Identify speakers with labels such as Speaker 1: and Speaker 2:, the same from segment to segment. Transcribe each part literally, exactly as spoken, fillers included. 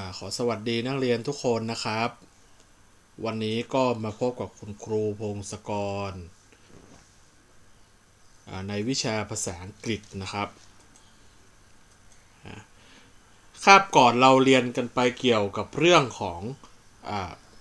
Speaker 1: ขอสวัสดีนักเรียนทุกคนนะครับวันนี้ก็มาพบกับคุณครูพงศกรในวิชาภาษาอังกฤษนะครับคาบก่อนเราเรียนกันไปเกี่ยวกับเรื่องของอ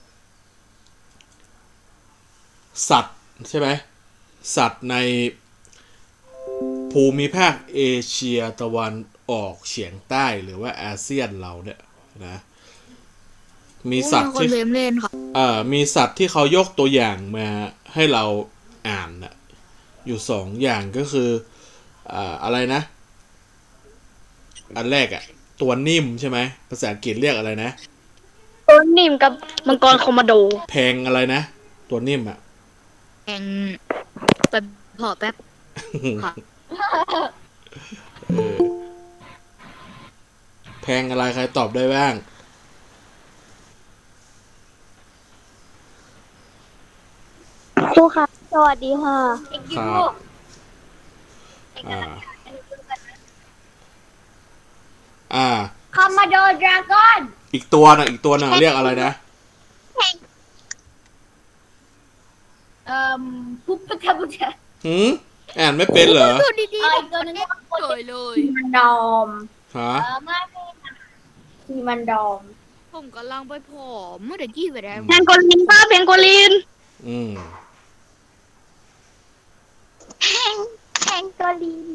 Speaker 1: สัตว์ใช่ไหมสัตว์ในภูมิภาคเอเชียตะวันออกเฉียงใต้หรือว่าอาเซียนเราเนี่ยนะมีสัตว์ที่เอ่อมีสัตว์ที่เขายกตัวอย่างมาให้เราอ่านนะอยู่สองอย่างก็คืออ่าอะไรนะอันแรกอะตัวนิ่มใช่ไหมภาษาอังกฤษเรียกอะไรนะ
Speaker 2: ตัวนิ่มกับมังกรคอมมานโด
Speaker 1: แพงอะไรนะตัวนิ่มอะ
Speaker 2: แพงแป๊บพอแป๊บค่ะ
Speaker 1: แพงอะไรใครตอบได้บ้าง
Speaker 3: ครูครับสวัสดีค่ะ
Speaker 1: ครับอ่าอ่า
Speaker 3: คอมมาโดดราก้อน
Speaker 1: อีกตัวนะอีกตัวนะเรียกอะไรนะ
Speaker 3: เอ่อปุ๊บปะทะปุ๊บทะ
Speaker 1: หืมอ่านไม่เป็นเหรอ
Speaker 2: ดีดีตัวนึงสวยเลย
Speaker 3: มันดอม
Speaker 1: ฮะ
Speaker 3: เออไม่ไม่ทีมันดอม
Speaker 2: ผมกำลังไปผอมเมื่อเด็กยี่ไปแล้ว
Speaker 3: เพนโกลินป้าเพนโกลิน
Speaker 1: อืม
Speaker 3: เพนเพนโกลิน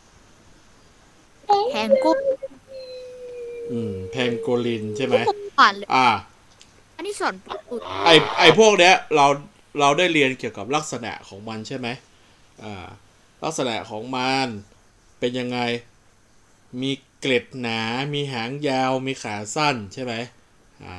Speaker 2: แพงกุ้ง
Speaker 1: อืมแพงโกลินใช่ไหม
Speaker 2: ผ่านเลย
Speaker 1: อ่า
Speaker 2: อันนี้สอนปุ๊บ
Speaker 1: ไอไอพวกเนี้ยเราเราได้เรียนเกี่ยวกับลักษณะของมันใช่ไหมอ่าลักษณะของมันเป็นยังไงมีเกล็ดหนามีหางยาวมีขาสั้นใช่ไหมอ่า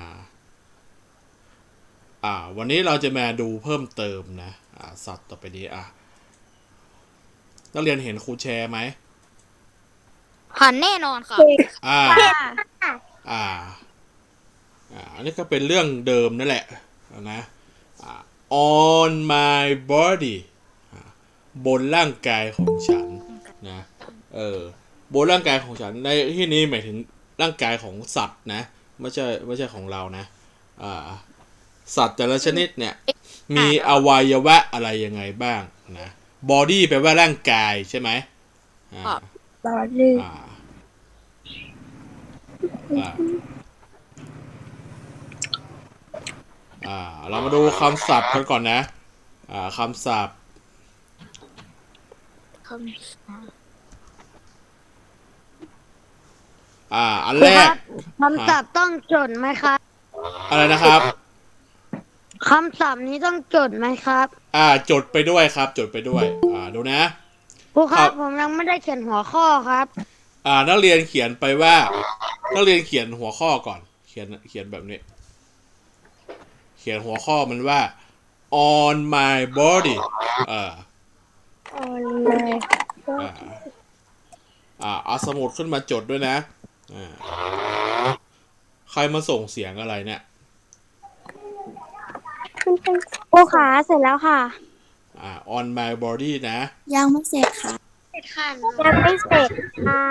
Speaker 1: อ่าวันนี้เราจะมาดูเพิ่มเติมนะอ่าสัตว์ต่อไปนี้อ่ะนักเรียนเห็นครูแชร์ไหม
Speaker 2: ผ่านแน่นอนค่ะ
Speaker 1: อ่าอ่าอ่าอันนี้ก็เป็นเรื่องเดิมนั่นแหละนะ on my body บนร่างกายของฉันนะเออบนร่างกายของฉันในที่นี้หมายถึงร่างกายของสัตว์นะไม่ใช่ไม่ใช่ของเรานะอ่าสัตว์แต่ละชนิดเนี่ยมีอวัยวะอะไรยังไงบ้างนะ body แปลว่าร่างกายใช่ไหมอ่า
Speaker 3: body
Speaker 1: อ่าอ่าอ่าเรามาดูคำศัพท์กันก่อนนะอ่าคำศัพท์อ่าอันแรก
Speaker 3: คำศัพท์ต้องจดไหมครับ
Speaker 1: อะไรนะครับ
Speaker 3: คำศัพท์นี้ต้องจดไหมครับ
Speaker 1: อ่าจดไปด้วยครับจดไปด้วยอ่าดูนะ
Speaker 3: ครูครับผมยังไม่ได้เขียนหัวข้อครับ
Speaker 1: อ่านักเรียนเขียนไปว่านักเรียนเขียนหัวข้อก่อนเขียนเขียนแบบนี้เขียนหัวข้อมันว่า on my body อ่า
Speaker 3: on my
Speaker 1: อ่าอ่าเอาสมุดขึ้นมาจดด้วยนะอ่าใครมาส่งเสียงอะไรเนี่ย
Speaker 3: ครูขาเสร็จแล้วค่ะ
Speaker 1: อ่า on my body นะ
Speaker 3: ยังไม่เสร็จค่ะเสร็จค่ะยังไม่เสร็จค่ะ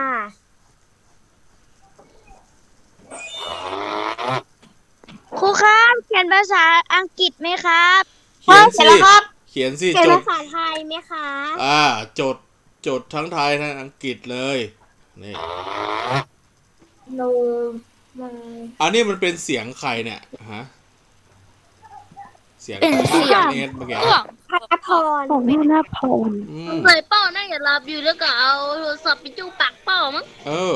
Speaker 3: ครูครับเขียนภาษาอังกฤษไหมครับ
Speaker 1: เขียนสิเขียนสิ
Speaker 3: เขียน
Speaker 1: จด
Speaker 3: ภาษาไทยไหมคะ
Speaker 1: อ่าจดจดทั้งไทยทั้งอังกฤษเลยนี่
Speaker 3: no
Speaker 1: อันนี้มันเป็นเสียงใครเนี่ยฮะเสียงใครเนตเมื่อกี้
Speaker 3: พัพรของพี่นาพร
Speaker 2: เคยเป้าน่าจะรับอยู่แล้วก็เอาโทรศัพท์ไปจู้ปากเป้ามั้ง
Speaker 1: เออ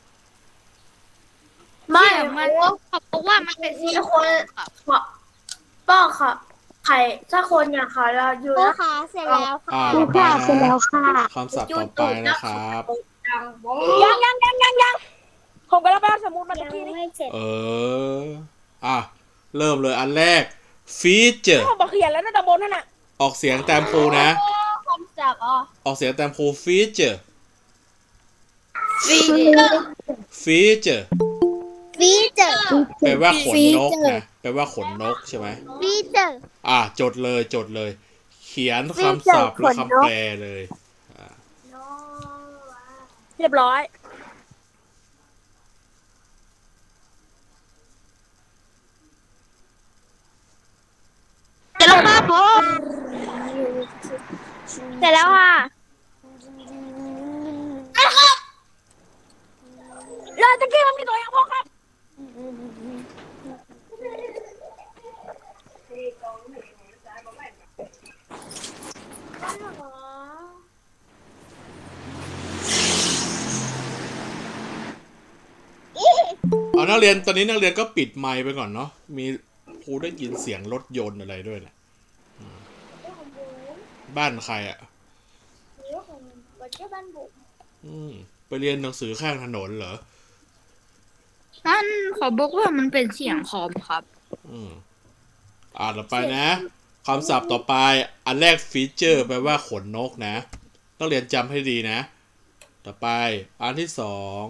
Speaker 2: ไม่มันเพราะว่ามันเป็นเสียงคน
Speaker 3: ป้าค่ะใครถ้าคนอย่างเขาเราอยู่แล้วค่ะเสร็จแล้วค่ะ
Speaker 1: ครูค่ะ
Speaker 3: เสร็จแล้วค่ะ
Speaker 1: คำศัพท์ต่อไปนะครับ
Speaker 3: ยังยังยังยังยังผมก็รับไปสมุดมาตะกี้นี่
Speaker 1: เอออ่ะเริ่มเลยอันแรก feature
Speaker 3: ผมบอกเขียนแล้วนะตะบนนั่นน่ะ
Speaker 1: ออกเสียงแตมครูนะ
Speaker 3: คำศัพท์อ๋อ
Speaker 1: ออกเสียงแตมครู feature
Speaker 3: feature feature
Speaker 1: แปลว่าขนนกนะแปลว่าขนนกใช่ไหม
Speaker 3: feature
Speaker 1: อ่ะจดเลยจดเลยเขียนคำศัพท์และคำแปลเลย
Speaker 3: เรียบร้อยร็จแล้วค่ะเราตะกี้มันมีตัวอย่างพอครับ
Speaker 1: เอานักเรียนตอนนี้นักเรียนก็ปิดไมค์ไปก่อนเนาะมีครูได้ยินเสียงรถยนต์อะไรด้วยนะบ้านใครอ่ะอืมไปเรียนหนังสือข้างถนนเหรอ
Speaker 4: นั่นขอบอกว่ามันเป็นเสียงคอมครับ
Speaker 1: อืมอ่านต่อไปนะคำศัพท์ต่อไปอันแรกฟีเจอร์แปลว่าขนนกนะต้องเรียนจำให้ดีนะ ต่อไปอันที่สอง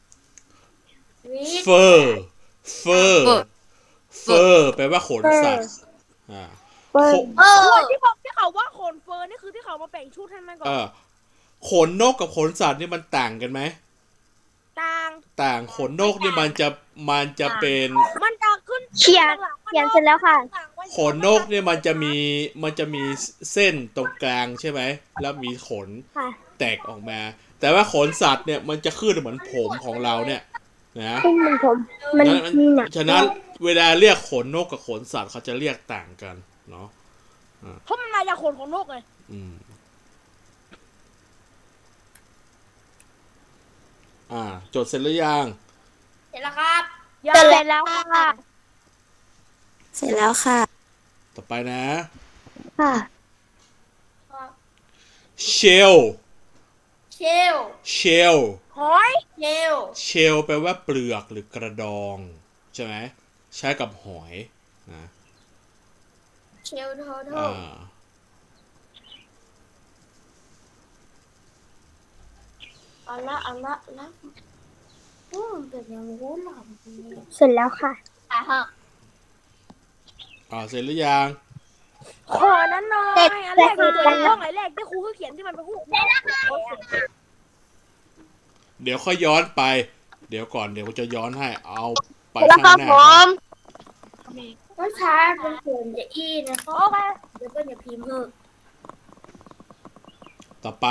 Speaker 1: เฟอร์เฟอร์เฟอร์แปลว่าขนสัตว์อ่า
Speaker 3: เออ
Speaker 5: ส่วนที่บอกที่เขาว่าขนเฟิร์นนี่คือที่เขามาแบ่งชุดให้มันก่อน
Speaker 1: เออขนนกกับขนสัตว์นี่มันต่างกันไหม
Speaker 5: ต่าง
Speaker 1: ต่างขนนกนี่มันจะมันจะเป็น
Speaker 5: มันจะขึ้น
Speaker 3: เขียนเขียนเสร็จแล้วค่ะ
Speaker 1: ขนนกเนี่ยมันจะมีมันจะมีเส้นตรงกลางใช่ไหมแล้วมีขน
Speaker 3: ค่ะ
Speaker 1: แตกออกมา แต่ว่าขนสัตว์เนี่ยมันจะขึ้นเหมือนผมของเราเนี่ยนะ
Speaker 3: ขึ้นมันผมมัน
Speaker 1: นั้น
Speaker 3: มีหนัก
Speaker 1: ฉะนั้นเวลาเรียกขนนกกับขนสัตว์เขาจะเรียกต่างกันเนาะ
Speaker 5: เพราะมันมาจากขนของนกไง
Speaker 1: อืมอ่าจดเสร็จหรือยัง
Speaker 3: เสร็จแล้วครับ
Speaker 5: อย่า
Speaker 3: เสร็จแล้วค่ะ เสร็จแล้วค่ะ
Speaker 1: ต่อไปนะ
Speaker 3: ค่ะ
Speaker 1: shell
Speaker 3: เชล
Speaker 1: shell
Speaker 5: หอย
Speaker 3: เชล
Speaker 1: shell แปลว่าเปลือกหรือกระดอง ใช่ไหมใช้กับหอยนะ
Speaker 3: เชลโทโท
Speaker 1: อ่า
Speaker 3: เอาละเอาละเอาละโอ้มันเป็นอย่างงูหลอมเสร็จแล้วค่ะ
Speaker 1: อ่าเสร็จหรือยัง
Speaker 5: ขอนั้นหน่อย
Speaker 3: เสร็จ
Speaker 5: อันแรก
Speaker 3: เสร็
Speaker 5: คือ
Speaker 3: จแล้ว
Speaker 5: ห้องไหนแรกที่ครูเขาเขียนที่มันเป็นคู่
Speaker 1: เดี๋ยวค่อยย้อนไป เดี๋ยวก่อนเดี๋ยวจะย้อนให้เอาไป
Speaker 3: แล้ว
Speaker 1: ข้าง
Speaker 3: ก็
Speaker 1: หน้า
Speaker 3: ผ
Speaker 1: ก่อน
Speaker 3: มต้องใช้เป็นเขียนจะอีนะคะเดี๋ยวก็อย่าพิมพ์เถอะ
Speaker 1: ต่อไป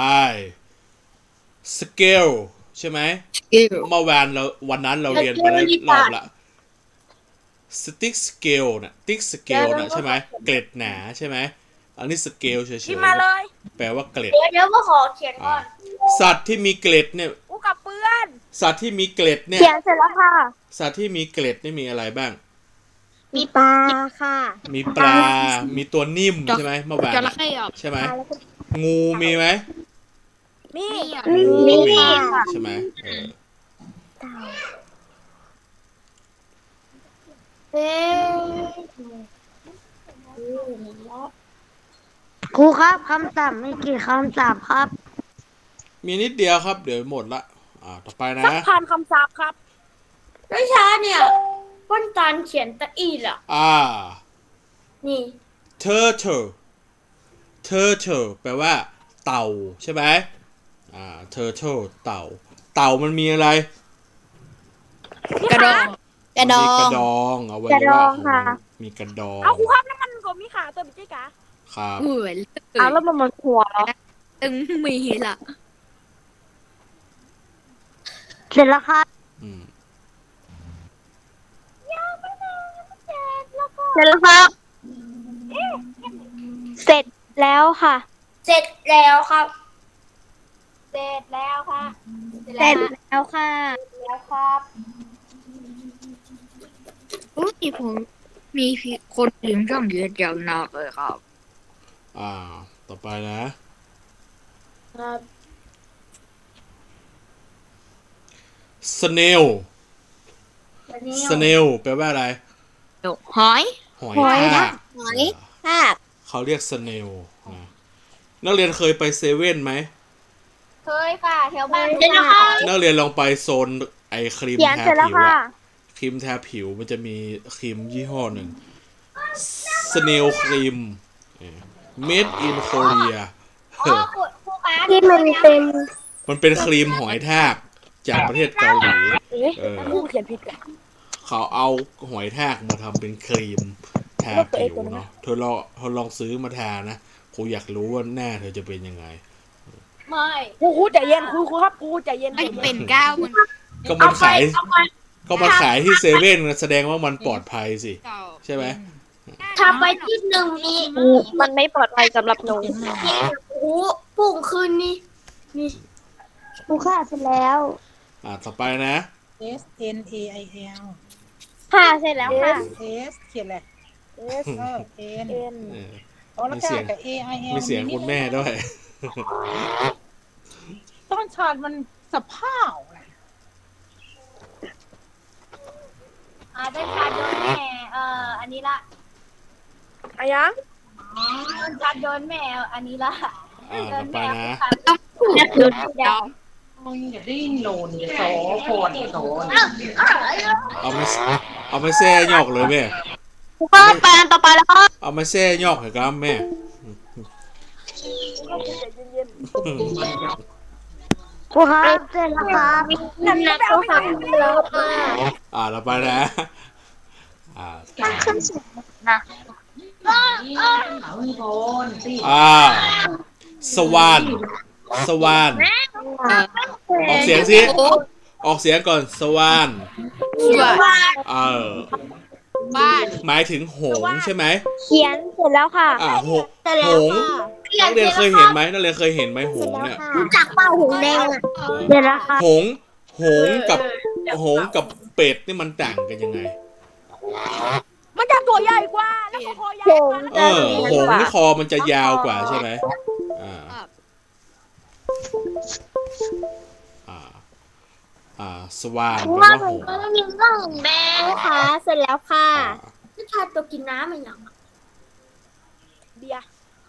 Speaker 1: scale ใช่ไหมเมื่อวานเราวันนั้นเราเรียนไปแล้วรอบละ stick scale นะ stick scale นะใช่ไหมเกล็ดหนาใช่ไหมอันนี้ scale เฉย
Speaker 5: ที่มาเลย
Speaker 1: ๆแปลว่าเกล็ด
Speaker 3: เดี๋ยวเดี๋ยวก็ขอเขียนก่
Speaker 1: อ่า
Speaker 3: อน
Speaker 1: สัตว์ที่มีเกล็ดเนี่ย
Speaker 5: กูกับเปื้อน
Speaker 1: สัตว์ที่มีเกล็ดเนี่ย
Speaker 3: เขียนเสร็จแล้วค่ะ
Speaker 1: สัตว์ที่มีเกล็ดนี่มีอะไรบ้าง
Speaker 3: มีปลาค่ะ
Speaker 1: มีปลา มีตัวนิ่มใช่ไหมเมื่อวาน
Speaker 4: จระเข้อ่ะ
Speaker 1: ใช่ไหมงูมีไหม
Speaker 5: มี
Speaker 3: มี
Speaker 1: มี
Speaker 3: ค่ะ
Speaker 1: ใช่ไหมเออ
Speaker 3: เอ๊ะ
Speaker 6: ครูครับคำศัพท์มีกี่คำศัพท์ครับ
Speaker 1: มีนิดเดียวครับ เดี๋ยวหมดละ อ่า ต่อไปนะ
Speaker 5: สักพันคำศัพท์ครับ
Speaker 3: ไม่ช้าเนี่ยป้นตานเขียนตะอีล่ะ
Speaker 1: อ่า
Speaker 3: นี่
Speaker 1: turtle turtle แปลว่า เต่าใช่ไหมอ่า turtle เต่า เต่ามันมีอะไร
Speaker 4: กระดอง
Speaker 1: มันมีกระดองเอาไว้
Speaker 3: กระด
Speaker 1: ว่า
Speaker 3: องค่ะ
Speaker 1: มีกระดอง
Speaker 5: เอาครูครับแล้วมันก็มีขาตัวเป็นเจ๊กะ
Speaker 1: ครับ
Speaker 4: เหมือน
Speaker 3: เอาแล้วมันมันหัวเหรอ
Speaker 4: ตึงมีละ
Speaker 6: เสร็จแล้วครับ
Speaker 1: อืม
Speaker 3: เสร็จแล้วครับ เสร็จแล้วค่ะ เสร็จแล้วครับ เสร็จแล้วค่ะ เสร็จแล้วค่ะ แล้วครับ
Speaker 4: อุ้ยผมมีคนถึงช่องเยอะจังมากเลยครับ
Speaker 1: อ่า ต่อไปนะ
Speaker 3: ครับ
Speaker 1: snail
Speaker 3: วันนี้
Speaker 1: snail แปลว่าอะไร
Speaker 4: หอย
Speaker 1: หอย
Speaker 3: หอย
Speaker 1: ทาก
Speaker 3: หอยทาก
Speaker 1: เขาเรียก snail นะนักเรียนเคยไปเซเว่นไหม
Speaker 3: เคยค่ะแถวบ้าน
Speaker 2: เดี๋ยวนะคะ
Speaker 1: นักเรียนลองไปโซนไอครีม
Speaker 3: เขียน
Speaker 1: ทา
Speaker 3: เสร็จแล้ว
Speaker 1: ผิว
Speaker 3: ค่ะ
Speaker 1: อะครีมทาผิวมันจะมีครีมยี่ห้อหนึ่ง snail ครีม made in Korea เออ
Speaker 3: ที่มันเป็น
Speaker 1: มันเป็นครีมหอยทากจากประเทศเกาหลี
Speaker 5: เอ๊ะ
Speaker 1: เออ
Speaker 5: ครูเขียนผิดกัน
Speaker 1: เขาเอาหอยทากมาทำเป็นครีมทาผิวเนาะเธอลองเธอลองซื้อมาทานะครูอยากรู้ว่าหน้าเธอจะเป็นยังไง
Speaker 3: ไม่
Speaker 5: ครูครูใจเย็นครูครูครับครูใจเย็น
Speaker 4: ไม่เป็นก้าวมัน
Speaker 1: ก็มันขาย ก็มาขายที่เซเว่นแสดงว่ามันปลอดภัยสิ ใช่ไหม
Speaker 3: ทำไปที่หนึ่งนี้
Speaker 5: มันไม่ปลอดภัยสำหรับหนู
Speaker 3: โอ้ปุ่งคืนนี้นี่
Speaker 6: ครูค่ะเสร็จแล้ว
Speaker 1: อ่าต่อไปนะ
Speaker 7: S N A I L
Speaker 3: ค่ะเสร็จแล้วค่ะ
Speaker 7: S เขียนอะไร S เออ N
Speaker 1: เออ
Speaker 7: อ๋อแล้วก็กับ A I L
Speaker 1: มีเสียงคุณแม่ด้วย
Speaker 7: ต้นชาติมันสะเพร่าแหละ
Speaker 3: อ่าได้ชาโดนแม่เอ่ออันนี้ละ
Speaker 5: อะยัง
Speaker 3: ชาโดนแม่อันนี้ละ
Speaker 1: อ่าต่อไปนะ
Speaker 3: โดนแดง
Speaker 7: มึงอย่าดิ้นโลนอย่าโสโผนโสน
Speaker 1: เอามาเอามาแซ่ยอกเลยแม่
Speaker 3: ก็ไปอันต่อไปแล้วก็
Speaker 1: เอามาแซ่ยอกเหรอครับแม่
Speaker 6: ครูครับเสร็จแล้วครับ
Speaker 3: นั่นนะก็ทำแล้วค่ะ
Speaker 1: อ่าต่อไปนะ อ่า
Speaker 3: ขึ้นสูง
Speaker 7: โผนสิ
Speaker 1: อ่า สวาน สวาน ออกเสียงสิ ออกเสียงก่อน สวาน เออ
Speaker 4: บ้าน
Speaker 1: หมายถึงหงส์ใช่ไหม
Speaker 3: เขียนเสร็จแล้วค่ะ
Speaker 1: อ่าหงหงส์นักเรียนเคยเห็นไหมนักเรียนเคยเห็นไหมหงส์เนี่ย
Speaker 3: จากเป้าหูแดงอ่ะ
Speaker 6: เสร็จแล้วครับ
Speaker 1: หงส์หงส์กับหงส์กับเป็ดนี่มันต่างกันยังไง
Speaker 5: มันจะตัวใหญ่กว่า แล้วก็คอใหญ่กว่า
Speaker 1: เออ หงส์นี่คอมันจะยาวกว่าใช่ไหมอ่า อ่า อ่า สวานแปลว่าหงส์
Speaker 3: มีเรื่องแดงค่ะ เสร็จแล้วค่ะ
Speaker 1: อ่า
Speaker 3: นี่ทานตัวกินน้ำมันยัง
Speaker 5: เบียร์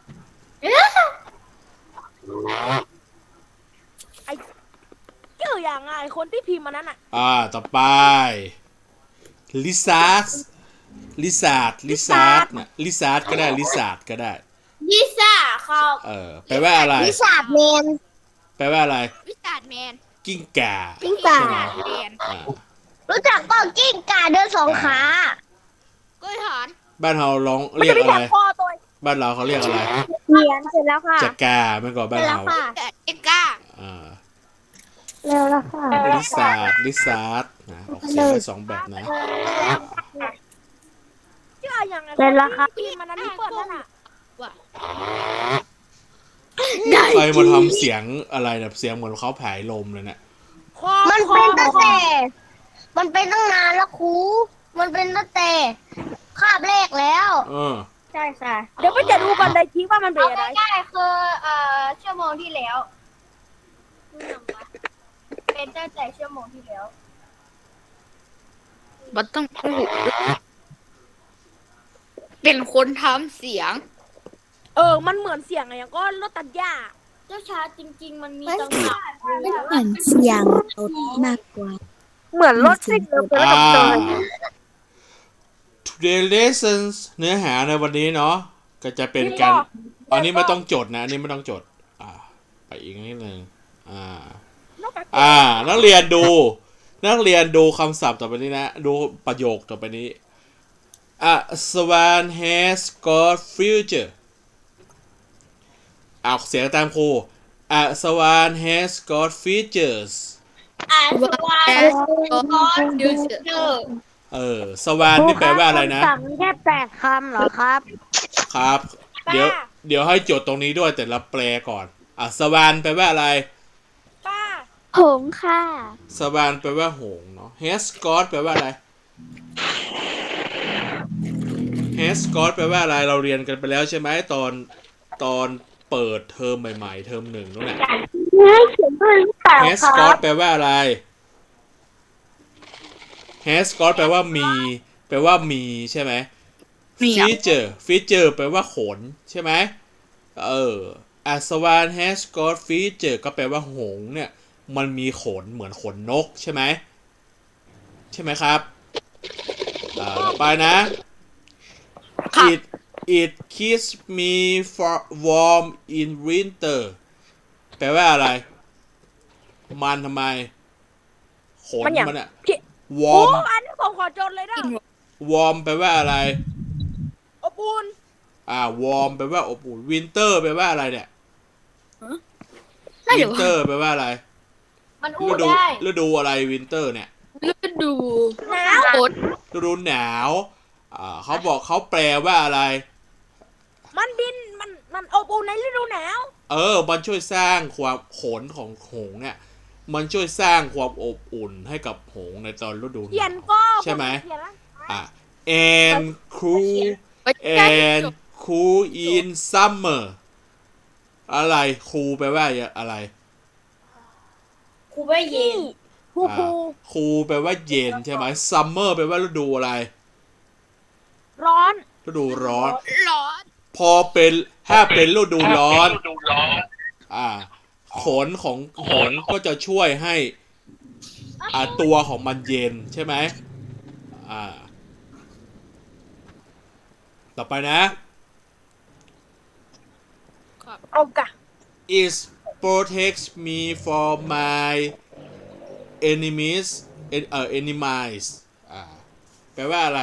Speaker 5: ไอ้เจออย่างไงคนที่พิมพ์มันนั้นอ่ะ
Speaker 1: อ่า ต่อไป ลิซาร์ดลิซาร์ดลิซาร์ดนะลิซาร์ดก็ได้ ลิซาร์ดก็ได้
Speaker 3: ยิซ่าครับ
Speaker 1: เออ แปลว่าอะไร
Speaker 3: ยิซ่าแมน
Speaker 1: แปลว่าอะไร
Speaker 4: วิสาดแมน
Speaker 1: กิ้งก่า
Speaker 3: กิ้งก่า
Speaker 1: ใช่ไหม
Speaker 4: แมน
Speaker 1: อ่า
Speaker 3: รู้จักเปล่ากิ้งก่าเดินสองขา
Speaker 4: กล้วยหอน
Speaker 1: บ้านเราร้อง
Speaker 5: มัน
Speaker 1: เรีย
Speaker 5: จะ
Speaker 1: ก
Speaker 5: มี
Speaker 1: อะ
Speaker 5: แถ
Speaker 1: ไร
Speaker 5: บคอตัว
Speaker 1: บ้านเราเขาเรียกอะไร
Speaker 3: เขียนเสร็จแล้วค่ะ
Speaker 1: จักามันก่อน
Speaker 3: เส
Speaker 1: บ้า
Speaker 3: ร็
Speaker 1: น
Speaker 3: จแล้
Speaker 1: เรา
Speaker 3: วค่ะ
Speaker 4: แต่เอ็กก้า
Speaker 1: อ่า
Speaker 6: เร็วแล้วค่ะ
Speaker 1: ลิซาร์ดลิซาร์ดนะออกเสียงได้สองแบบนะ
Speaker 5: เจออย่างไง
Speaker 6: เสร็จแล้วครับ
Speaker 5: พิมพ์มันนั้นที่เปิดนั่นอ่ะ
Speaker 1: ใครมาทำเสียงอะไรแบบเสียงเหมือนเขาผายลมเลยเนี่ย
Speaker 5: คอ
Speaker 3: มัน
Speaker 5: คอ
Speaker 3: เป็นตั้ง
Speaker 5: คอ
Speaker 3: แต่ มันเป็นตั้งนานแล้วครู มันเป็นตั้งแต่คาบแรกแล้ว
Speaker 1: เออ
Speaker 3: ใช่ค่ะ
Speaker 5: เดี๋ยวไปจะดูกันในคลิปว่ามันเป็นอะไร
Speaker 3: ง่ายๆคือเอ่อชั่วโมงที่แล้วเป็นตั้งแต่ชั่วโมงที่แล้ว
Speaker 4: มันต้องพูดเป็นคนทำเสียง
Speaker 5: เออ มันเหมือนเสียงอะไรอย่างก็รถตัดหญ้า
Speaker 3: เจ้าชาจริง ๆ มันมีจังหวะ
Speaker 8: เหมือนเสียงรถมากกว่า
Speaker 5: เหมือนรถซิ่งเลย
Speaker 1: อ่า today lessons เนื้อหาในวันนี้เนาะก็จะเป็นการอันนี้ไม่ต้องจดนะอันนี้ไม่ต้องจด อ่า ไปอีกนิดนึงอ่า อ่า นักเรียนดู นักเรียนดูคำศัพท์ต่อไปนี้นะ ดูประโยคต่อไปนี้ A swan has got future ออกเสียงตามครู A swan has got features
Speaker 3: อ่านสวาย
Speaker 4: ดูเสือ
Speaker 1: เออ สวานนี่แปลว่าอะไรนะ
Speaker 6: คำสั่งมีแค่แปดคำเหรอครับ
Speaker 1: ครับ เดี๋ยว เดี๋ยวให้จดตรงนี้ด้วยแต่ละแปลก่อน อ่ะ สวานแปลว่าอะไร
Speaker 5: ป้า
Speaker 3: หงค่ะ
Speaker 1: สวานแปลว่าหงส์เนาะ has got แปลว่าอะไร has got แปลว่าอะไร เราเรียนกันไปแล้วใช่ไหมตอน ตอนเปิดเทอมใหม่ๆ เทอมหนึ่งนู่นแหละ has got แปลว่าอะไร has got แปลว่ามี แปลว่ามีใช่ไหม
Speaker 4: มีอ่ะ
Speaker 1: feature feature แปลว่าขนใช่ไหม เออ a swan has got feature ก็แปลว่าหงส์เนี่ย มันมีขนเหมือนขนนกใช่ไหม ใช่ไหมครับ อ่าต่อไปนะ it it keeps me for warm in winter แปลว่าอะไร มันทำไม ขน
Speaker 5: มันอย่าง
Speaker 1: มันอะ
Speaker 5: พี่ โอ้
Speaker 1: warm
Speaker 5: อันนี้ผมขอจดเลยนะ
Speaker 1: warm แปลว่าอะไร
Speaker 5: อบอุ่น
Speaker 1: ออ่าวอร์มแปลว่าอบอุ่นวินเตอร์แปลว่าอะไรเนี่ย
Speaker 4: ได้
Speaker 1: วิ
Speaker 4: เดี๋ย
Speaker 1: น
Speaker 4: ว
Speaker 1: เตอร์แปลว่าอะไร
Speaker 3: มันอู้
Speaker 1: ฤดู
Speaker 3: ได้
Speaker 1: ฤดูอะไรวินเตอร์เนี่ย
Speaker 4: ฤดู
Speaker 5: หนาว
Speaker 4: ฝน
Speaker 1: ฤดูหนาวอ่าเขาบอกเขาแปลว่าอะไร
Speaker 5: มันบินมันมันอบอุ่นในฤดูหนาว
Speaker 1: เออ มันช่วยสร้างความขนของหงส์เนี่ย มันช่วยสร้างความอบอุ่นให้กับหงส์ในตอนฤดูห
Speaker 5: เขีย
Speaker 1: นาน ว
Speaker 5: ก็
Speaker 1: ใช่ไหม
Speaker 5: เขียนแล้ว
Speaker 1: อ่ะ and cool
Speaker 4: ไปแจ้ง
Speaker 1: and cool in summer อะไร cool แปลว่าอะไร
Speaker 3: ครูไม่เย็น
Speaker 5: ครูครู
Speaker 1: คูลแปลว่าเย็นใช่ไหม summer แปลว่าฤดูอะไร
Speaker 5: ร้อน
Speaker 1: ฤดูร้อน
Speaker 4: ร้อน
Speaker 1: พอเป็นถ้าเป็นฤดูร้อนอ่าขนของหงส์ก็จะช่วยให้อ่าตัวของมันเย็นใช่ไหมอ่าต่อไปนะ
Speaker 5: เอากะ
Speaker 1: is protects me from my enemies เอ่อ enemies อ่าแปลว่าอะไร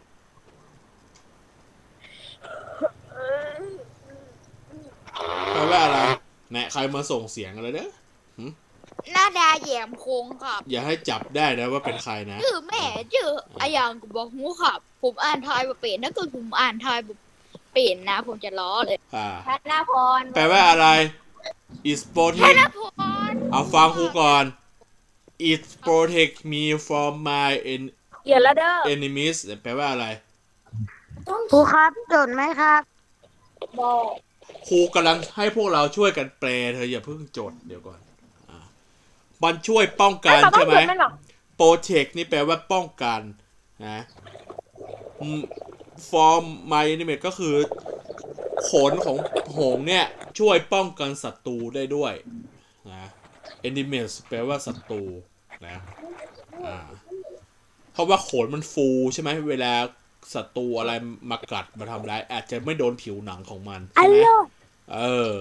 Speaker 1: แปลว่าอะไรแหนะใครมาส่งเสียงอะไรเด้อ
Speaker 4: หน้าดาแยมโค้งครับ
Speaker 1: อย่าให้จับได้นะว่าเป็นใครนะ
Speaker 4: ชื่อแม่ชื่ออายังกูบอกหูครับ ผมอ่านทายบ่เป็นถ้าเกิดผมอ่านทายบ่เป็นนะ ผมจะล้อเลย
Speaker 1: อ่า
Speaker 3: ธนาพร
Speaker 1: แปลว่าอะไร is
Speaker 4: ธ
Speaker 1: protect
Speaker 4: นพร
Speaker 1: เอาฟังครูก่อน it protect me from my en-
Speaker 5: เขียนแล้วเด้อ
Speaker 1: enemies แปลว่าอะไร
Speaker 6: ครูครับจดไหมครับ
Speaker 3: บอก
Speaker 1: ครูกำลังให้พวกเราช่วยกันแปลเธออย่าเพิ่งจดเดี๋ยวก่อนอ่ามันช่วยป้องกันใช่ไหม
Speaker 5: ไม่บอก
Speaker 1: protect นี่แปลว่าป้องกันนะอืม from my enemy ก็คือขนของหงส์เนี่ยช่วยป้องกันศัตรูได้ด้วยนะ enemies แปลว่าศัตรูนะอ่าเพราะว่าขนมันฟูใช่ไหมเวลาศัตรูอะไรมากัดมาทำร้ายอาจจะไม่โดนผิวหนังของมันใช่ไหมเออ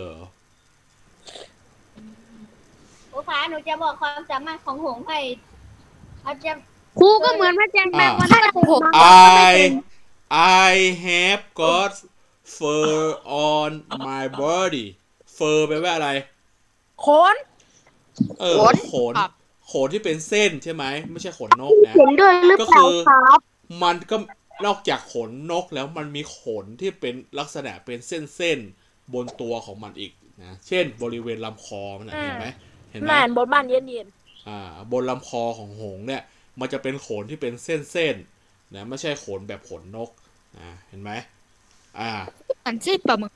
Speaker 3: ครูคะหนูจะบอกความสามารถของหงส์ให้เขาจะ
Speaker 2: ครูก็เหมือนพระจันทร์แปลว่า
Speaker 4: ผม
Speaker 1: I I have got fur on my body fur แปลว่าอะไร
Speaker 5: ขน
Speaker 1: เออขนขนที่เป็นเส้นใช่ไหมไม่ใช่ขนนกนะ
Speaker 6: เห็นด้วยหรือ
Speaker 1: ก็
Speaker 6: เปล่า
Speaker 1: คือ
Speaker 6: ครับ
Speaker 1: มันก็นอกจากขนนกแล้วมันมีขนที่เป็นลักษณะเป็นเส้นๆบนตัวของมันอีกนะเช่นบริเวณลำคอมันนะเห็นไหมเห็นไหม
Speaker 5: แม่นบนบ้านเย็นเย็น
Speaker 1: อ่าบนลำคอของหงส์เนี่ยมันจะเป็นขนที่เป็นเส้นๆนะไม่ใช่ขนแบบขนนกอ่าเห็นไหมอ่า
Speaker 4: อันชื่อปลาหมึก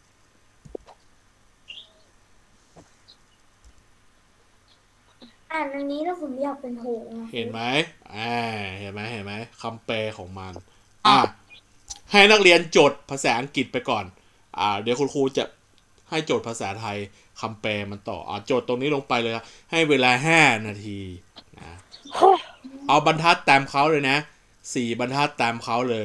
Speaker 3: อ่านอันนี้แล้วผมอยากเป็นหงส์
Speaker 1: เห็นไหมอ่าเห็นไหมเห็นไหมคำแปลของมันอ่าให้นักเรียนจดภาษาอังกฤษไปก่อนอ่าเดี๋ยวคุณครูจะให้โจทย์ภาษาไทยคำแปลมันต่ออ่าโจทย์ตรงนี้ลงไปเลยให้เวลาห้านาทีนะเอาบรรทัดตามเขาเลยนะสี่บรรทัดตามเขาเลย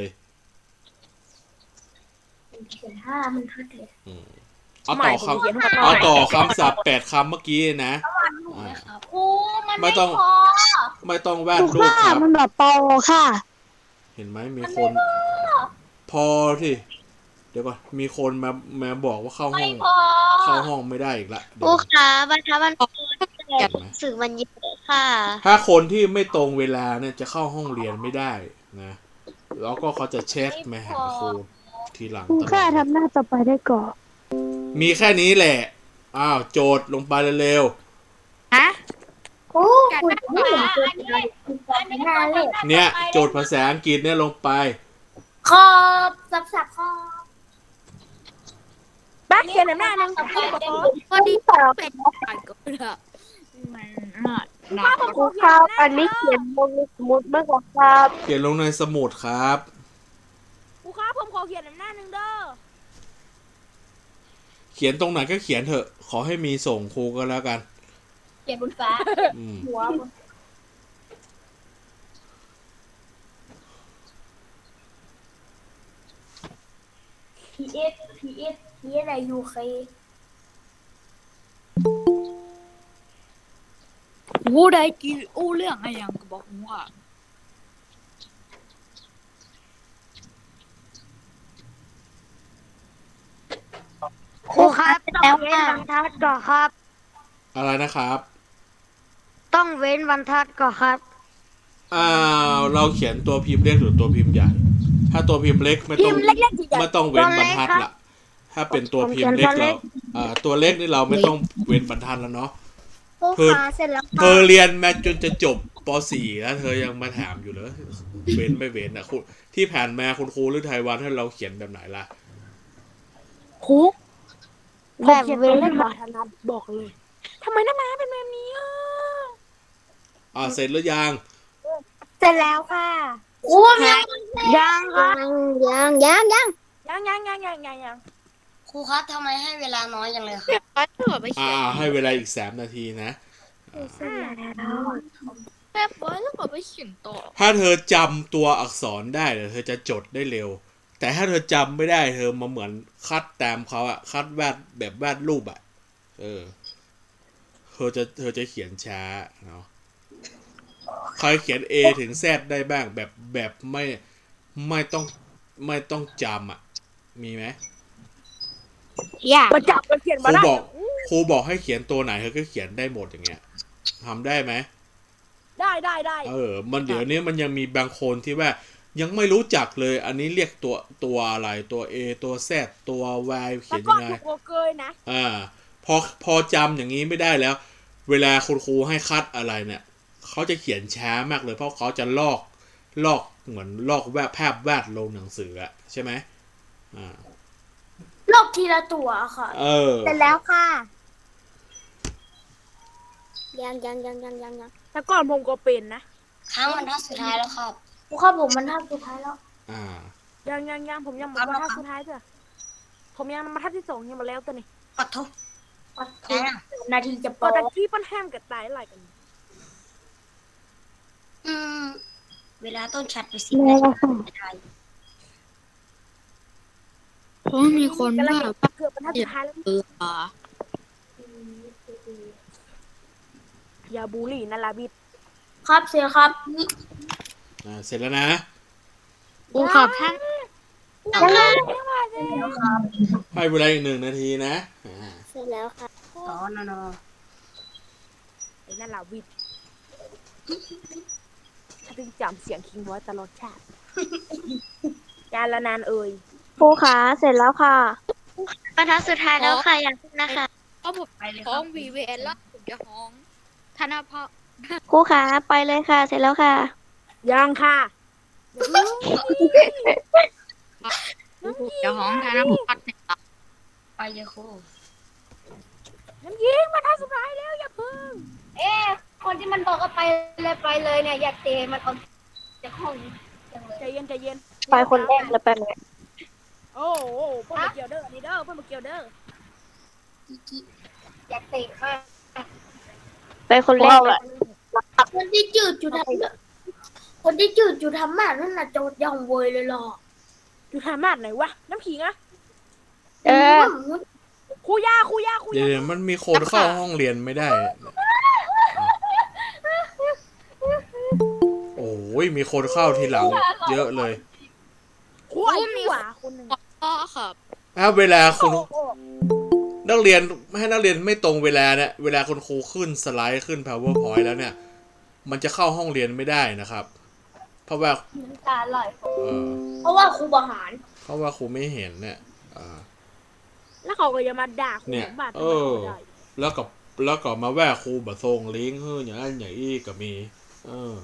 Speaker 3: เขียนห้ามันทัดเลย
Speaker 1: อืมเอาต่อคำเอาต่อคำศัพท์แปดคำเมื่อกี้นะอ่า
Speaker 3: ครูมัน
Speaker 1: ไม่
Speaker 3: ไม่
Speaker 1: ต้อง
Speaker 3: พอ
Speaker 1: ไม่ต้องวาด
Speaker 6: ครู
Speaker 1: รูป
Speaker 6: ค่ะ
Speaker 1: ครับ
Speaker 6: มันแบบโตค่ะ
Speaker 1: เห็นไหมมีคน พอที่เดี๋ยวก่อนมีคนมามาบอกว่าเข้าห้
Speaker 3: ไม่
Speaker 1: อง
Speaker 3: พอ
Speaker 1: เข้าห้องไม่ได้อีกละ
Speaker 3: ค
Speaker 1: เดี๋ย
Speaker 3: รู
Speaker 1: ว
Speaker 3: คะบรรทัดมัน
Speaker 1: เห็นไหม
Speaker 3: สื่อมันเยอะค่ะ
Speaker 1: ถ้าคนที่ไม่ตรงเวลาเนี่ยจะเข้าห้องเรียนไม่ได้นะแล้วก็เขาจะเช็คมาหาครูทีหลัง
Speaker 6: ครู
Speaker 1: ตลอ
Speaker 6: ค่ะ
Speaker 1: ด
Speaker 6: ทำหน้าต่อไปได้ก่อน
Speaker 1: มีแค่นี้แหละอ้าวโจทย์ลงไปเร็ว
Speaker 4: ฮะ
Speaker 3: ครูคุณไม่เห็นตัวเลยอันนี้นานเลย
Speaker 1: ๆเนี่ยโจทย์ภาษาอังกฤษเนี่ยลงไป
Speaker 3: ขอบสับสับขอบ
Speaker 5: ๆแบ๊กเขียนหน้าหนึ่ง
Speaker 3: ต่อไปเด็ก
Speaker 4: พอดีเป็นไปก็ได้มันน่าหนา
Speaker 5: ครูครับอันนี้เขียน
Speaker 6: ลงสมุดเมื่อก่อนครับ
Speaker 1: เขียนลงในสมุดครับ
Speaker 5: ครูครับผมขอเขียนหน้าหนึ่งเด้อ
Speaker 1: เขียนตรงไหนก็เขียนเถอะ ขอให้มีส่งครูก็แล้วกัน
Speaker 3: เขียนบนฟ้า
Speaker 1: อืม
Speaker 3: หัวบน พีเอสพีเอสพีเอสอะไรยูเค
Speaker 4: วูได้กินอู้เรื่องอะไรยังก็บอกหูค่ะ
Speaker 6: ครูครับต้องเว้นบรรทัดก่อนครับ
Speaker 1: อะไรนะครับ
Speaker 6: ต้องเว้นบรรทัดก่อนครับ
Speaker 1: อ่าเราเขียนตัวพิมพ์เล็กหรือตัวพิมพ์ใหญ่ ถ้าตัวพิมพ์เล็กไม่ต้องไม่ต้องเว้นบรรทัดละถ้าเป็นตัวพิมพ์เล็กเราอ่าตัวเล็กนี่เราไม่ต้องเว้นบรรทัดแล้วเนาะ
Speaker 3: ครูคะเสร็จแล้ว
Speaker 1: เธอเรียนมาจนจะจบป .สี่ แล้วเธอยังมาถามอยู่เลยเว้นไม่เว้นอ่ะคุณที่ผ่านมาคุณครูหรือไทยวันให้เราเขียนแบบไหนล่ะ
Speaker 5: ครู
Speaker 6: แบบ
Speaker 5: เขียน
Speaker 6: เว้
Speaker 5: ตัว
Speaker 6: น
Speaker 5: เลขบาทนัดบอกเลยทำไมหน้าม้าเป็นแบบนี้อ่ะ
Speaker 1: อ่าเสร็จหรือยัง
Speaker 3: เสร็จแล้วค่ะ
Speaker 6: ครูยังยังครับ
Speaker 3: ยังยังยัง
Speaker 5: ยังยังยังยังยังยัง
Speaker 6: ครูครับทำไมให้เวลาน้อยจังเลยครับ
Speaker 4: เก็บไว้เถอะไป
Speaker 1: อ่า
Speaker 4: เขียน
Speaker 1: ให้เวลาอีกสามนาทีนะ
Speaker 3: เสร็จแล้ว
Speaker 4: เก็บไว้แล้วก็ไปเขียนต่อ
Speaker 1: ถ้าเธอจำตัวอักษรได้เดี๋ยวเธอจะจดได้เร็ว แต่ถ้าเธอจำไม่ได้เธอมาเหมือนคัดตามเขาอะคัดวาดแบบวาดรูปอะเออ เธอจะเธอจะเขียนช้าเนาะใครเขียน A ถึง Z ได้บ้างแบบแบบไม่ไม่ต้องไม่ต้องจำอะมีไหม
Speaker 4: อยาก
Speaker 5: มาจับมาเขียน
Speaker 1: ค
Speaker 5: มา
Speaker 1: รู
Speaker 5: ได้
Speaker 1: บอกครูบอกให้เขียนตัวไหนเธอก็เขียนได้หมดอย่างเงี้ยทำได้ไหม
Speaker 5: ได้ได้ได้
Speaker 1: เออ มันเดี๋ยวนี้มันยังมีบางคนที่ว่ายังไม่รู้จักเลย อันนี้เรียกตัวตัวอะไรตัว A ตัว Z ตัว Y เขี
Speaker 5: แต่
Speaker 1: ยน
Speaker 5: ก่อ
Speaker 1: ยั
Speaker 5: น
Speaker 1: งไง
Speaker 5: ถูกโกเกยนะ
Speaker 1: อ่า พอพอจำอย่างนี้ไม่ได้แล้ว เวลาคุณครูให้คัดอะไรเนี่ยเขาจะเขียนช้ามากเลยเพราะเขาจะลอกลอกเหมือนลอกแวบภาพวาดลงหนังสืออะใช่ไหมอ่า
Speaker 3: ลบทีละตัวค่ะ
Speaker 1: เออ
Speaker 3: เสร็จแล้วค่ะ ยังยังยังยังยังยัง
Speaker 5: แต่ก่อนผมก็เป็นนะ
Speaker 6: ครั้งบรรทัดสุดท้ายแล้วครับครูครับผมบรรทัดสุดท้ายแล้ว
Speaker 1: อ่า
Speaker 5: ยังยังยังผมยังมาทัดสุดท้ายเถอะผมยังมาทัดที่สองยังมาแล้วตัวนี้
Speaker 6: ปัดทุกปัดทุกนาทีจะ
Speaker 5: ก็
Speaker 6: เปิด
Speaker 5: ตะกี้ปั้นแฮมกับตายอะไรกัน
Speaker 6: อืมเวลาต้นชัดไปสิบนาทีไม่ได้
Speaker 4: เพราะมีคน
Speaker 5: กำลัง
Speaker 4: ว่า
Speaker 5: เกือบบรรทัดสุดท้ายแล้ว
Speaker 4: เออ
Speaker 5: อย่าบูลลี่นะลาบิด
Speaker 6: ครับเสียครับ
Speaker 1: อ่า เสร็จแล้วนะ
Speaker 4: ครูขอบท่าน
Speaker 1: ให้เวลาอีกหนึ่งนาทีนะ อ่า
Speaker 3: เสร็จแล้วค่ะ
Speaker 6: อ๋อนอน
Speaker 5: ไอ้นั่นลาบิดถ้าถึงจำเสียงคิงไว้ตลอดชาติยาละนานเอ่ย
Speaker 3: ครูคะเสร็จแล้วค่ะบรรทัดสุดท้ายแล้วค่ะอย่าพึ่งนะคะ
Speaker 4: เพราะผมห้อง วี วี เอส แล้วผมจะห้องธนาภา
Speaker 3: ครูคะไปเลยค่ะ เสร็จแล้วค่ะ
Speaker 5: ยังค่ะ
Speaker 4: จะห้องธนาภาเนี่ย
Speaker 6: ไปเลยครู
Speaker 5: น้ำยิงบรรทัดสุดท้ายแล้วอย่าพึ่ง
Speaker 3: เอ๊ะคนที่มันบอกว่าไปเลยไปเลยเนี่ยอยากเตะมันออกจากห้อง
Speaker 5: ใจเย็นใจเย็น
Speaker 3: ไปคนแรกเลยไปเลย
Speaker 5: โอ้โหเพิ่นมาเกี่ยวเด้อนี่เด้อเพิ่นมาเกี่ยวเด้อ
Speaker 3: อยากเตะค่ะไปคนแรกเลยคนที่จืดจุดทำคนที่จืดจุดทำมานั่นน่ะโจดย่องเวยเลยหรอ
Speaker 5: อยู่ทำมาดไหนวะน้ำขิงอะ
Speaker 3: เออ
Speaker 5: ครูยาครูยาครู
Speaker 1: เดี๋ย
Speaker 5: ยาว
Speaker 1: มันมีคนเข้าห้องเรียนไม่ได้ โอ้ยมีคนเข้าทีหลังเยอะเลย
Speaker 5: ครูอายุหวาคนหนึ่ง
Speaker 4: พ่อครับ
Speaker 1: ถ้าเวลาคุณนักเรียนให้นักเรียนไม่ตรงเวลาเนี่ยเวลาคุณครูขึ้นสไลด์ขึ้น powerpoint แล้วเนี่ย มันจะเข้าห้องเรียนไม่ได้นะครับ เพราะว่า
Speaker 3: น้ำตาไหล
Speaker 1: เออ
Speaker 3: เพราะว่าครูบาหาร
Speaker 1: เพราะว่าครูไม่เห็นเนี่ยอ่า
Speaker 5: แล้วเขาก็จะมาด่าครู
Speaker 1: เนี่ย
Speaker 5: บาด
Speaker 1: เออ แล้วก็แล้วก็มาแว่าครูบะทรงลิงก์เฮ้ยอย่างนั้นอย่างอี้ก็มี เออ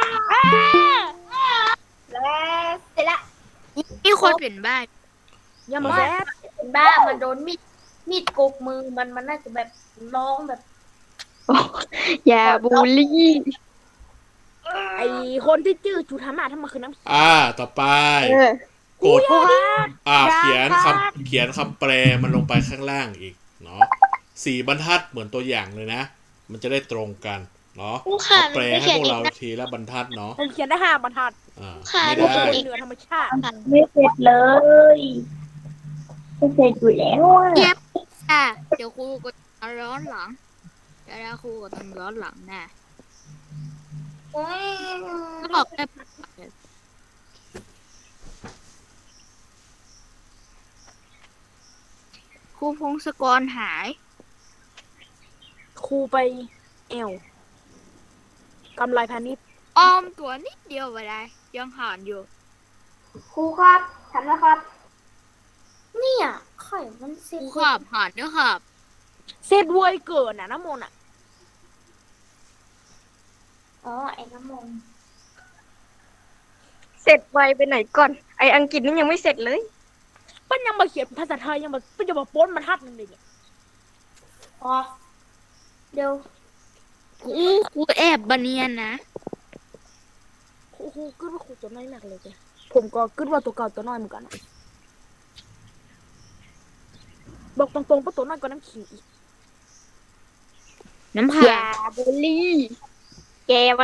Speaker 3: แล้วเสร็จละ
Speaker 4: มีคนเปลี่ยนบ้าน
Speaker 5: อย่ามาแซด
Speaker 3: เป็นบ้ามันโดนมีดมีดกกมือมันมันน่าจะแบบร้องแบบ
Speaker 8: อย่าบูลลี่
Speaker 5: ไอคนที่จื้อจุธามาทำไมคือน้ำขิง
Speaker 1: อ่า ต่อไป
Speaker 8: เออ
Speaker 1: กดอ่า เขียนคำเขียนคำแปลมันลงไปข้างล่างอีก เนาะสี่บรรทัดเหมือนตัวอย่างเลยนะ มันจะได้ตรงกัน เนาะเอาแปลให้พวกเราทีละบรรทัดเนาะ
Speaker 5: ผมเขียนได้ห้าบรรทัด
Speaker 1: อ่า
Speaker 3: ค่ะ
Speaker 1: ไม่
Speaker 5: ผม
Speaker 1: ได้
Speaker 5: เป็นเหนือธรรมชาติ
Speaker 3: ไม่เสร็จเลยไม่เสร็จอยู่แล้วอ่ะ
Speaker 4: อ่ะเดี๋ยวครูก็จะร้อนหลังเดี๋ยวครูก็ต้องร้อนหลังแน่ก็บอกได้ครูพงศกรหาย
Speaker 5: ครูไปเอวกำไรพาณิชย์
Speaker 4: ออมตัวนิดเดียวไปได้ยังหานอยู่
Speaker 3: ครูครับทำแล้วครับ เนี่ยไข่มัน
Speaker 4: ค
Speaker 3: เซ็ต
Speaker 4: รูขับหานเด้อขับ
Speaker 5: เสร็จเวยเกินน่ะน้ำมนต์อ่ะ
Speaker 3: อ๋อไอ้น้ำมนต์
Speaker 8: เสร็จไวไปไหนก่อน ไออังกฤษนี่ยังไม่เสร็จเลย
Speaker 5: เปิ้นยังมาเขียนภาษาไทยยังมาเปิ้นจะมาโป้นมาทัดหนึงเลยเนี่ย
Speaker 3: พอเดี๋ยว
Speaker 4: ครูครูแอบบันเนียนนะ
Speaker 5: ครูครูกึดว่าครูตัวน้อยมากเลยจ้ะผมก็กึดว่าตัวเก่าตัวน้อยเหมือนกันอะบอกตรงๆว่าตัวน้อยกว่าน้ำขิงอีก
Speaker 4: น้ำ
Speaker 8: อ
Speaker 4: ผา
Speaker 8: ย่าบูลลี่ แกมัน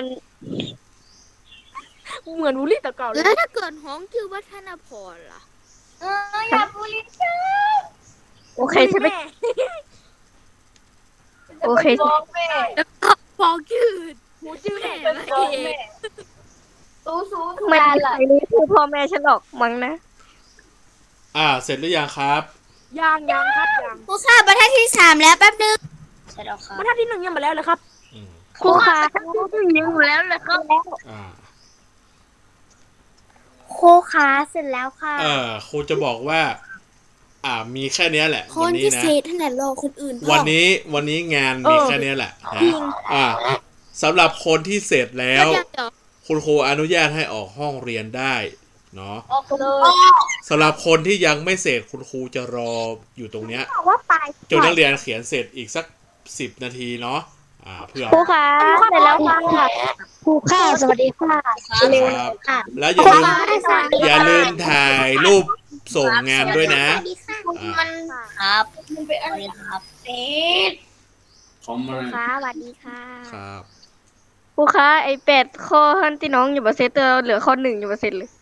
Speaker 5: เหมือนวูลลี่ตัวเก่าเลย
Speaker 4: แล้วถ้าเกิดห้องชื่อวัฒนพรล่ะ
Speaker 3: เอออย่าบูลลี่ฉัน
Speaker 8: โอเคใช่ไหม
Speaker 5: แม่
Speaker 8: โอเค
Speaker 3: จะไปฟ้องแม่
Speaker 4: แล้วก็ฟ้องชื่อ
Speaker 5: หมูจื้อ
Speaker 4: แม่
Speaker 5: แม่
Speaker 4: มา
Speaker 3: ฟ้อง
Speaker 4: เอ
Speaker 3: แม่
Speaker 4: ง
Speaker 3: ตู้ซู
Speaker 8: มัน
Speaker 3: ตา
Speaker 8: ไม่
Speaker 3: ล่ะ
Speaker 8: ใช่รู้คือพ่อแม่ฉันหรอกมั้งนะ
Speaker 1: อ่า เสร็จหรือยังครับ
Speaker 5: ยางยางครับยาง
Speaker 3: ครูค่ะบรรทัดที่สามแล้วแป๊บนึงใช่แล้วค่ะ
Speaker 5: บรรทัดที่หนึ่งยังมาแล้วเลยครับ
Speaker 1: อืม
Speaker 8: ครูคะ
Speaker 3: ยังแล้วเลยครับ
Speaker 1: อ่า
Speaker 3: ครูคะเสร็จแล้วค่ะ
Speaker 1: เออครูจะบอกว่า อ่า มีแค่เนี้ยแหละ
Speaker 3: ค
Speaker 1: วัน
Speaker 3: น
Speaker 1: นี้
Speaker 3: พิ
Speaker 1: นะ
Speaker 3: เศษท่านไหนรอคนอื่นพ่อ
Speaker 1: วันนี้วันนี้งานมีแค่เนี้ยแหละนะอ่าสำหรับคนที่เสร็จแล้ว
Speaker 4: เดี๋ยวเดี๋ยว
Speaker 1: คุณครูอนุญาตให้ออกห้องเรียนได้เนาะ
Speaker 3: ออกเลย
Speaker 1: สำหรับคนที่ยังไม่เสร็จคุณครูจะรออยู่ตรงเนี้ย
Speaker 3: ว่าไป
Speaker 1: จนนักเรียนเขียนเสร็จอีกสักสิบนาทีเนาะอ่าเพื่อ
Speaker 8: ครูคะเสร็จแล้วค่ะ
Speaker 6: ครูค่ะ สวัสดีค่ะ
Speaker 1: ครับแล้วอย่าลืมอย่าลืมถ่ายรูปส่งงานด้วยนะอ่า
Speaker 3: มันครับมันเป็นอะไรครับเอ๊ะ
Speaker 6: ค่ะสวัสดีค่ะ
Speaker 1: ครับ
Speaker 8: ครูคะไอแปดข้อที่น้องอยู่บนเซตเตอร์เหลือข้อหนึ่งอยู่บนเซตเลย